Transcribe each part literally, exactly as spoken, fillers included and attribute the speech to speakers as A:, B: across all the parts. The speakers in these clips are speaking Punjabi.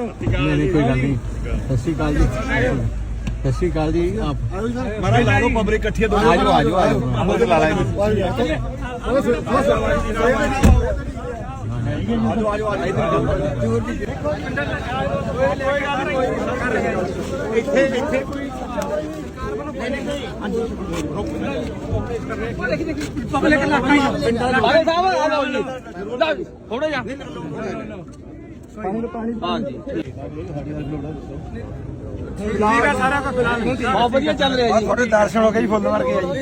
A: नहीं नहीं कोई गल नहीं। सत श्री अकाल जी, सत श्री अकाल जी। आप
B: महाराज ला लो पब्लिक इकट्ठी है।
A: आ जाओ आ जाओ आ जाओ
B: ला ला
C: पब्लिक इलाका ही बाले साहब आ जाओ जी थोड़ा जा पानी हां जी ठीक है सारा का फिलहाल बहुत बढ़िया चल रहा है जी।
B: थोड़े दर्शन हो गए जी फुੱਲ मार के जी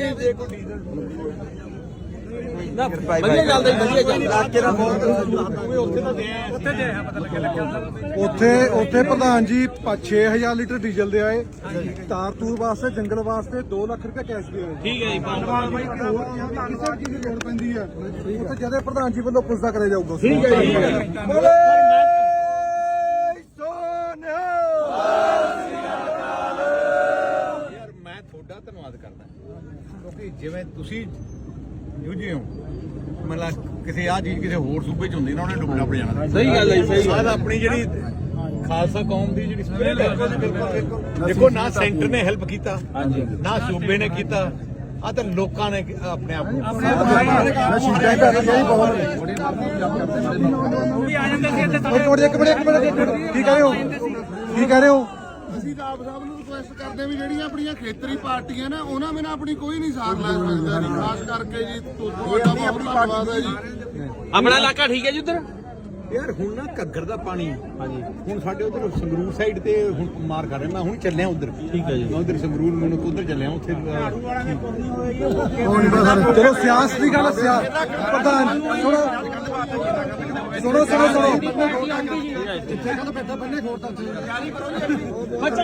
C: ना बढ़िया ਚੱਲਦਾ ਜੀ ਵਧੀਆ ਚੱਲਦਾ
B: ਇਲਾਕੇ ਦਾ ਬਹੁਤ
C: ਉੱਥੇ ਤਾਂ ਦੇ ਉੱਥੇ ਦੇ ਪਤਾ ਲੱਗਿਆ ਲੱਗਿਆ
D: ਉੱਥੇ ਉੱਥੇ ਪ੍ਰਧਾਨ ਜੀ ਛੇ ਹਜ਼ਾਰ ਲੀਟਰ ਡੀਜ਼ਲ ਦੇ ਆਏ, ਤਾਰ ਤੂਰ ਵਾਸਤੇ ਜੰਗਲ ਵਾਸਤੇ ਦੋ ਲੱਖ ਰੁਪਏ ਕੈਸ਼ ਦੇ ਆਏ।
C: ਠੀਕ ਹੈ ਜੀ
D: ਕਿਸੇ ਚੀਜ਼ ਦੀ ਲੋੜ ਪੈਂਦੀ ਹੈ ਉੱਥੇ ਜਦੇ ਪ੍ਰਧਾਨ ਜੀ ਵੱਲੋਂ ਪੁੱਛਦਾ ਕਰਿਆ ਜਾਊਗਾ।
C: ਠੀਕ ਹੈ ਜੀ
B: ਯਾਰ ਮੈਂ ਤੁਹਾਡਾ ਧੰਨਵਾਦ ਕਰਦਾ ਕਿਉਂਕਿ ਜਿਵੇਂ ਤੁਸੀਂ ਜੂਝੇ ਹੋ ਮਤਲਬ ਕਿਸੇ ਆ ਚੀਜ਼ ਕਿਸੇ ਹੋਰ ਸੂਬੇ ਚ ਹੁੰਦੀ ਨਾ ਉਹਨੇ ਡੁੱਬਣਾ ਪੜ ਜਾਣਾ।
C: ਸਹੀ ਗੱਲ ਹੈ ਸਹੀ
B: ਸਾਡਾ ਆਪਣੀ ਜਿਹੜੀ ਖਾਲਸਾ ਕੌਮ ਦੀ ਜਿਹੜੀ ਸਪਿਰਿਟ ਹੈ ਦੇਖੋ ਨਾ ਸੈਂਟਰ ਨੇ ਹੈਲਪ ਕੀਤਾ ਨਾ ਸੂਬੇ ਨੇ ਕੀਤਾ ਆ ਤਾਂ ਲੋਕਾਂ ਨੇ ਆਪਣੇ ਆਪ ਨੂੰ
C: ਵੀ ਆ ਜਾਂਦੇ ਸੀ ਇੱਥੇ
D: ਇੱਕ ਮਿੰਟ ਇੱਕ ਮਿੰਟ ਇੱਕ ਮਿੰਟ ਕੀ ਕਹਿ ਰਹੇ ਹੋ ਕੀ ਕਹਿ ਰਹੇ ਹੋ?
E: ਅਸੀਂ ਤਾਂ ਆਪ ਸਾਹਿਬ ਨੂੰ ਰਿਕੁਐਸਟ ਕਰਦੇ ਵੀ ਜਿਹੜੀਆਂ ਆਪਣੀਆਂ ਖੇਤਰੀ ਪਾਰਟੀਆਂ ਨੇ ਉਹਨਾਂ ਬਿਨਾਂ ਆਪਣੀ ਕੋਈ ਨਹੀਂ ਸਾਥ ਲੈ ਸਕਦਾ ਜੀ। ਖਾਸ ਕਰਕੇ ਜੀ ਤੁਹਾਡਾ ਬਹੁਤ ਧੰਨਵਾਦ ਹੈ ਜੀ।
C: ਆਪਣਾ ਇਲਾਕਾ ਠੀਕ ਹੈ ਜੀ ਉਧਰ
B: ਯਾਰ ਹੁਣ ਨਾ ਘੱਗਰ ਦਾ ਪਾਣੀ ਹਾਂਜੀ ਹੁਣ ਸਾਡੇ ਉਧਰ ਸੰਗਰੂਰ ਸਾਈਡ ਤੇ ਹੁਣ ਮਾਰ ਕਰ ਰਿਹਾ। ਮੈਂ ਹੁਣ ਚੱਲਿਆ ਉਧਰ ਠੀਕ ਹੈ ਜੀ ਮੈਂ ਉਧਰ ਸੰਗਰੂਰ ਨੂੰ ਉਧਰ ਚੱਲਿਆ ਉੱਥੇ
D: ਚਲੋ ਸਿਆਸਤ ਦੀ ਗੱਲ ਸਿਆਸਤ ਪ੍ਰਧਾਨ ਸੁਣੋ ਸੁਣੋ ਸੁਣੋ ਸੁਣੋ